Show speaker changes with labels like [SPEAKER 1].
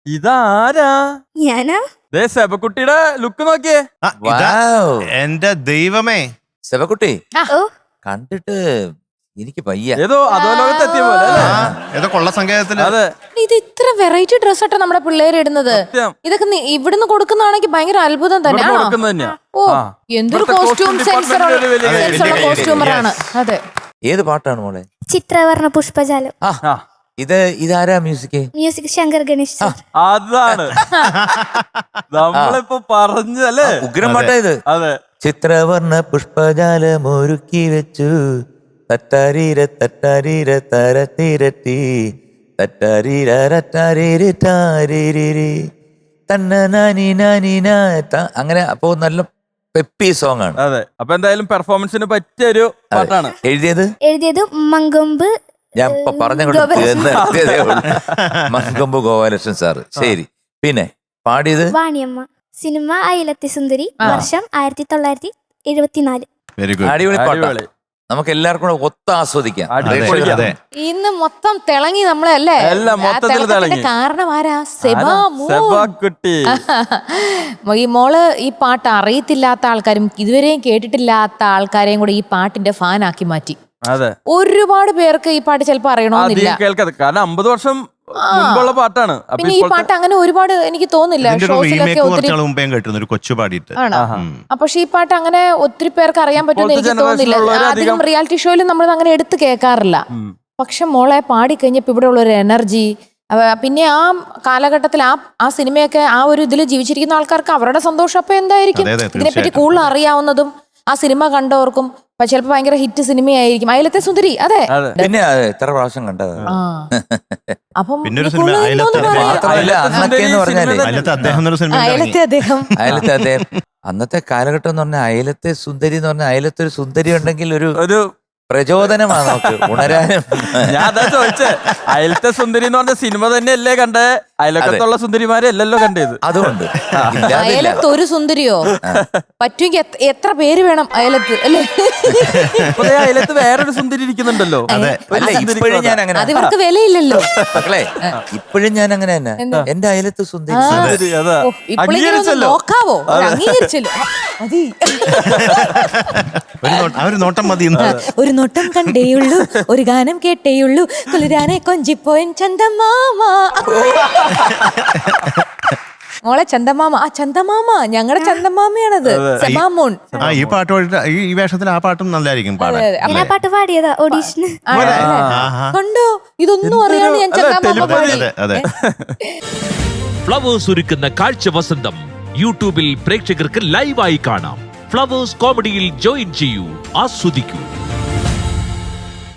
[SPEAKER 1] ഇതാരാ?
[SPEAKER 2] ഞാനാ.
[SPEAKER 1] സെബക്കുട്ടിയുടെ ലുക്ക് നോക്കിയേ.
[SPEAKER 3] എന്റെ ദൈവമേ,
[SPEAKER 4] സെബക്കുട്ടി
[SPEAKER 2] ഓ
[SPEAKER 4] കണ്ടിട്ട് എനിക്ക് പയ്യ
[SPEAKER 1] ഏതോ അധോലോകത്ത് എത്തിയ പോലെ.
[SPEAKER 3] ഏതോ കൊള്ള സങ്കേതത്തില്.
[SPEAKER 1] അതെ,
[SPEAKER 5] ഇത് ഇത്ര വെറൈറ്റി ഡ്രസ് ആട്ടോ നമ്മുടെ പിള്ളേര് ഇടുന്നത്. ഇതൊക്കെ ഇവിടുന്ന് കൊടുക്കുന്നതാണെങ്കിൽ ഭയങ്കര അത്ഭുതം തന്നെയാണ്. ഓ എന്തൊരു കോസ്റ്റ്യൂം സെൻസുള്ള കോസ്റ്റ്യൂമറാണ്. അതെ.
[SPEAKER 4] ഏത് പാട്ടാണ് മോളെ?
[SPEAKER 2] ചിത്രവർണ്ണ പുഷ്പജാലം.
[SPEAKER 4] ഇതാരാ മ്യൂസിക്?
[SPEAKER 2] മ്യൂസിക് ശങ്കർ ഗണേഷ്.
[SPEAKER 1] അതാണ് നമ്മളിപ്പോ പറഞ്ഞല്ലേ.
[SPEAKER 4] ഉഗ്രം പാട്ടാ ഇത്.
[SPEAKER 1] അതെ.
[SPEAKER 4] ചിത്രവർണ്ണ പുഷ്പജാലം ഒരുക്കി വെച്ചു തട്ടാരീര തട്ടാരീര തരത്തിരട്ടി തട്ടാരീരട്ടാരീരി തന്ന നാനി നാനി അങ്ങനെ. അപ്പോ നല്ല പെപ്പി സോങ് ആണ്.
[SPEAKER 1] അതെ. അപ്പൊ എന്തായാലും പെർഫോമൻസിന് പറ്റിയ ഒരു പാട്ടാണ്.
[SPEAKER 2] എഴുതിയത് മങ്കൊമ്പ്.
[SPEAKER 4] ഞാൻ ഇപ്പൊ പറഞ്ഞതേ മങ്കൊമ്പ് ഗോപാലകൃഷ്ണൻ സാറ്. ശരി. പിന്നെ പാടിയത്
[SPEAKER 2] വാണിയമ്മ. സിനിമ അയലത്തെ സുന്ദരി. വർഷം 1974.
[SPEAKER 3] Very good.
[SPEAKER 4] അടിപൊളി പാട്ടാണ്. നമുക്ക് എല്ലാവർക്കും കൂടെ ഒത്ത് ആസ്വദിക്കാം.
[SPEAKER 5] ഇന്ന് മൊത്തം തിളങ്ങി നമ്മളെ അല്ലേ. കാരണം ആരാ?
[SPEAKER 1] സെബാക്കുട്ടി.
[SPEAKER 5] ഈ മോള് ഈ പാട്ട് അറിയത്തില്ലാത്ത ആൾക്കാരും ഇതുവരെയും കേട്ടിട്ടില്ലാത്ത ആൾക്കാരെയും കൂടെ ഈ പാട്ടിന്റെ ഫാൻ ആക്കി മാറ്റി.
[SPEAKER 1] അതെ.
[SPEAKER 5] ഒരുപാട് പേർക്ക് ഈ പാട്ട് ചിലപ്പോ അറിയണമെന്നില്ല.
[SPEAKER 1] കേൾക്കാതെ കാരണം 50 വർഷം മുമ്പുള്ള പാട്ടാണ്.
[SPEAKER 5] പിന്നെ ഈ പാട്ട് അങ്ങനെ ഒരുപാട് എനിക്ക് തോന്നില്ല ഷോസിലൊക്കെ ഒത്തിരി
[SPEAKER 3] കൊച്ചു പാടിയിട്ട്.
[SPEAKER 5] പക്ഷെ ഈ പാട്ട് അങ്ങനെ ഒത്തിരി പേർക്ക് അറിയാൻ പറ്റുമെന്ന് എനിക്ക് തോന്നുന്നില്ല. അധികം റിയാലിറ്റി ഷോയിലും നമ്മൾ അങ്ങനെ എടുത്ത് കേൾക്കാറില്ല. പക്ഷെ മോളെ പാടിക്കഴിഞ്ഞപ്പോ ഇവിടെ ഉള്ള ഒരു എനർജി, പിന്നെ ആ കാലഘട്ടത്തിൽ ആ സിനിമയൊക്കെ ആ ഒരു ഇതിൽ ജീവിച്ചിരിക്കുന്ന ആൾക്കാർക്ക് അവരുടെ സന്തോഷം അപ്പൊ എന്തായിരിക്കും. ഇതിനെപ്പറ്റി കൂടുതൽ അറിയാവുന്നതും ആ സിനിമ കണ്ടവർക്കും ചിലപ്പോ ഭയങ്കര ഹിറ്റ് സിനിമയായിരിക്കും അയലത്തെ സുന്ദരി. അതെ.
[SPEAKER 4] പിന്നെ എത്ര പ്രാവശ്യം കണ്ടത്.
[SPEAKER 5] അപ്പം
[SPEAKER 4] അന്നത്തെ കാലഘട്ടം എന്ന് പറഞ്ഞാൽ അയലത്തെ സുന്ദരി എന്ന് പറഞ്ഞാൽ അയലത്തെ ഒരു സുന്ദരി ഉണ്ടെങ്കിൽ ഒരു പ്രചോദനമാണ് നമുക്ക് ഉണരാനും.
[SPEAKER 1] ഞാൻ അതാ ചോദിച്ചേ, അയലത്തെ സുന്ദരി എന്ന് പറഞ്ഞ സിനിമ തന്നെയല്ലേ കണ്ടേ? അയലക്കത്തുള്ള സുന്ദരിമാരെ അല്ലല്ലോ കണ്ടത്.
[SPEAKER 4] അതുകൊണ്ട്
[SPEAKER 5] അയലത്ത് ഒരു സുന്ദരിയോ പറ്റുമെങ്കിൽ എത്ര പേര് വേണം അയലത്ത് അല്ലേ?
[SPEAKER 1] അയലത്ത് വേറൊരു സുന്ദരി ഇരിക്കുന്നുണ്ടല്ലോ.
[SPEAKER 4] ഇപ്പോഴും ഞാൻ അങ്ങനെ,
[SPEAKER 5] അത് ഇവർക്ക് വിലയില്ലല്ലോ
[SPEAKER 4] മക്കളെ. ഇപ്പോഴും ഞാൻ അങ്ങനെ തന്നെ. എന്റെ അയലത്ത് സുന്ദരി
[SPEAKER 5] നോക്കാവോ? അംഗീകരിച്ചല്ലോ.
[SPEAKER 3] ഒരു നോട്ടം മതി.
[SPEAKER 5] ഒരു നോട്ടം കണ്ടേയുള്ളൂ, ഒരു ഗാനം കേട്ടേയുള്ളൂ, കുളിരാനെ കൊഞ്ചിപ്പോയൻ ചന്ദമാമ. മോളെ ചന്ദമാമ. ആ ചന്ദമാമ ഞങ്ങളുടെ ചന്ദമാമയാണത്. സെബാമോൻ.
[SPEAKER 3] ഈ പാട്ട് ഈ വേഷത്തിൽ ആ പാട്ടും നല്ലായിരിക്കും പാടാൻ.
[SPEAKER 2] പാട്ട് പാടിയതാ ഓഡീഷന്.
[SPEAKER 5] കണ്ടോ? ഇതൊന്നും അറിയാണ്ട് ഞാൻ ചന്ദമാമ പാടി.
[SPEAKER 6] ഫ്ലവേഴ്സ് ഒരുക്കുന്ന കാഴ്ച വസന്തം യൂട്യൂബിൽ പ്രേക്ഷകർക്ക് ലൈവായി കാണാം. ഫ്ലവേഴ്സ് കോമഡിയിൽ ജോയിൻ ചെയ്യൂ, ആസ്വദിക്കൂ.